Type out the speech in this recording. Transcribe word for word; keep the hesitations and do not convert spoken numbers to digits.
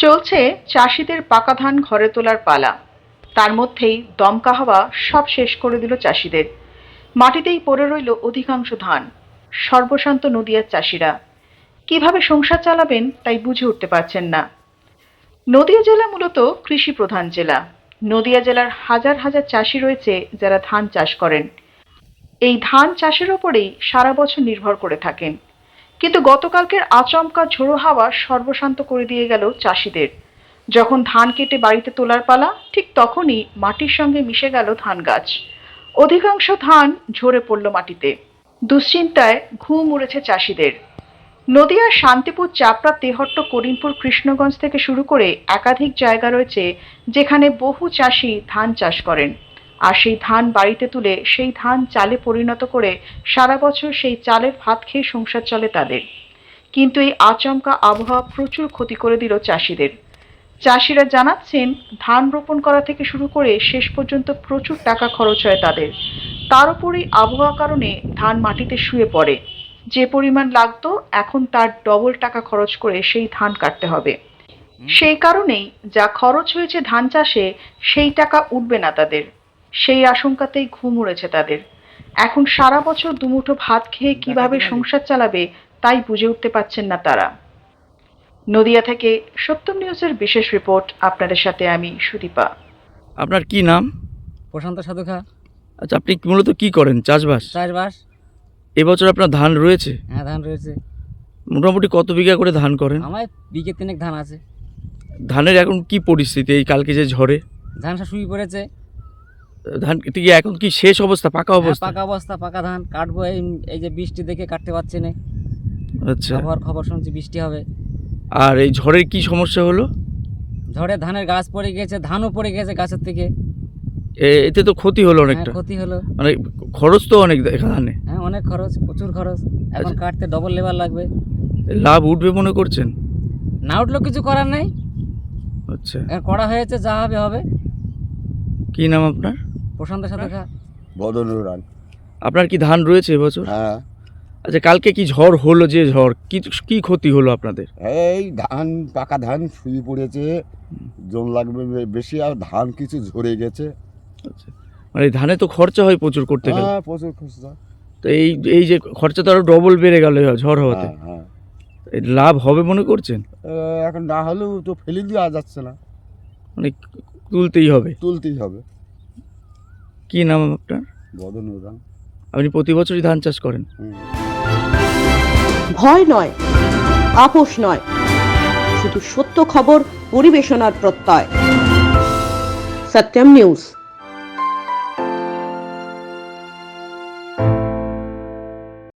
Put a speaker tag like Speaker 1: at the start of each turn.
Speaker 1: চলছে চাষিদের পাকা ধান ঘরে তোলার পালা। তার মধ্যেই দমকা হাওয়া সব শেষ করে দিল চাষিদের। মাটিতেই পড়ে রইল অধিকাংশ ধান। সর্বশান্ত নদিয়ার চাষিরা কিভাবে সংসার চালাবেন তাই বুঝে উঠতে পারছেন না। নদিয়া জেলা মূলত কৃষি প্রধান জেলা। নদিয়া জেলার হাজার হাজার চাষি রয়েছে যারা ধান চাষ করেন। এই ধান চাষের ওপরেই সারা বছর নির্ভর করে থাকেন। কিন্তু গতকালকের আচমকা ঝোড়ো হাওয়া সর্বশান্ত করে দিয়ে গেল চাষিদের। যখন ধান কেটে বাড়িতে তোলার পালা, ঠিক তখনই মাটির সঙ্গে মিশে গেল ধান গাছ। অধিকাংশ ধান ঝরে পড়ল মাটিতে। দুশ্চিন্তায় ঘুম উড়েছে চাষিদের। নদিয়ার শান্তিপুর, চাপড়া, তেহট্ট, করিমপুর, কৃষ্ণগঞ্জ থেকে শুরু করে একাধিক জায়গা রয়েছে যেখানে বহু চাষি ধান চাষ করেন। আর সেই ধান বাড়িতে তুলে সেই ধান চালে পরিণত করে সারা বছর সেই চালের ভাত খেয়ে সংসার চলে তাদের। কিন্তু এই আচমকা আবহাওয়া প্রচুর ক্ষতি করে দিল চাষিদের। চাষিরা জানাচ্ছেন, ধান রোপণ করা থেকে শুরু করে শেষ পর্যন্ত প্রচুর টাকা খরচ হয় তাদের। তার উপরই আবহাওয়ার কারণে ধান মাটিতে শুয়ে পড়ে। যে পরিমাণ লাগতো এখন তার ডবল টাকা খরচ করে সেই ধান কাটতে হবে। সেই কারণেই যা খরচ হয়েছে ধান চাষে সেই টাকা উঠবে না তাদের। সেই আশঙ্কাতেই ঘুম উড়েছে তাদের। এখন সারা বছর দুমুঠো ভাত খেয়ে কিভাবে সংসার চালাবে তাই বুঝে উঠতে পারছেন না তারা। নদিয়া থেকে সত্যম নিউজের বিশেষ রিপোর্ট, আপনাদের সাথে আমি সুদীপা।
Speaker 2: আপনার কি নাম?
Speaker 3: প্রশান্ত সাধুখা।
Speaker 2: আচ্ছা, আপনি মূলত কি করেন? চাষবাস?
Speaker 3: চাষবাস।
Speaker 2: এবছর আপনার ধান রয়েছে?
Speaker 3: হ্যাঁ, ধান রয়েছে।
Speaker 2: মোটামুটি কত বিঘা করে ধান করেন?
Speaker 3: আমার বিঘে তিনেক ধান আছে।
Speaker 2: ধানের এখন কি পরিস্থিতি এই কালকে যে ঝড়ে?
Speaker 3: ধান সব শুয়ে পড়েছে।
Speaker 2: ধান ঠিক এখন কি শেষ অবস্থা, পাকা
Speaker 3: হ্যাঁ,
Speaker 2: অবস্থা?
Speaker 3: পাকা অবস্থা, পাকা ধান কাটবো। এই এই যে বৃষ্টি দেখে কাটতে পারছি না।
Speaker 2: আচ্ছা,
Speaker 3: আবহাওয়ার খবর শুনছি বৃষ্টি হবে।
Speaker 2: আর এই ঝড়ের কি সমস্যা হলো?
Speaker 3: ঝড়ে ধানের গাছ পড়ে গেছে, ধানও পড়ে গেছে গাছের থেকে।
Speaker 2: এ- এতে তো ক্ষতি হলো
Speaker 3: হ্যাঁ,
Speaker 2: অনেকটা।
Speaker 3: ক্ষতি হলো।
Speaker 2: মানে খরচ তো অনেক ধানে।
Speaker 3: হ্যাঁ, অনেক খরচ, প্রচুর খরচ। এখন
Speaker 2: আচ্ছা।
Speaker 3: কাটতে ডবল লেবার লাগবে।
Speaker 2: লাভ উঠবে মনে করছেন?
Speaker 3: না উঠলেও কিছু করার নেই।
Speaker 2: আচ্ছা,
Speaker 3: এখন করা হয়েছে, যা হবে হবে।
Speaker 2: কি নাম আপনার?
Speaker 3: প্রশান্ত সাধুখা।
Speaker 4: বদনুর রান।
Speaker 2: আপনার কি ধান রয়েছে এবছর?
Speaker 4: হ্যাঁ,
Speaker 2: আচ্ছা, কালকে কি ঝড় হলো? যে ঝড় কি কি ক্ষতি হলো আপনাদের?
Speaker 4: এই ধান পাকা ধান শুয়ে পড়েছে, জল লাগবে বে- বেশি, আর ধান কিছু ঝরে গেছে।
Speaker 2: আচ্ছা, মানে ধানে তো খরচা হয় প্রচুর করতে গেলে।
Speaker 4: হ্যাঁ, প্রচুর খরচা।
Speaker 2: তো এই এই যে খরচা তো আরো ডবল বেড়ে গেল ঝড় হওয়াতে।
Speaker 4: হ্যাঁ, হ্যাঁ।
Speaker 2: এই লাভ হবে মনে করছেন?
Speaker 4: এ, এখন না হলেও তো ফেলে দেওয়া যাচ্ছে না,
Speaker 2: মানে তুলতেই হবে।
Speaker 4: তুলতেই হবে।
Speaker 2: কি নাম আপনার?
Speaker 4: বদনুর রান।
Speaker 2: আপনি প্রতি বছরই ধান চাষ করেন?
Speaker 4: হুম।
Speaker 5: ভয় নয়, আপোষ নয়, শুধু সত্য খবর পরিবেশনার প্রত্যয়। সত্যম নিউজ।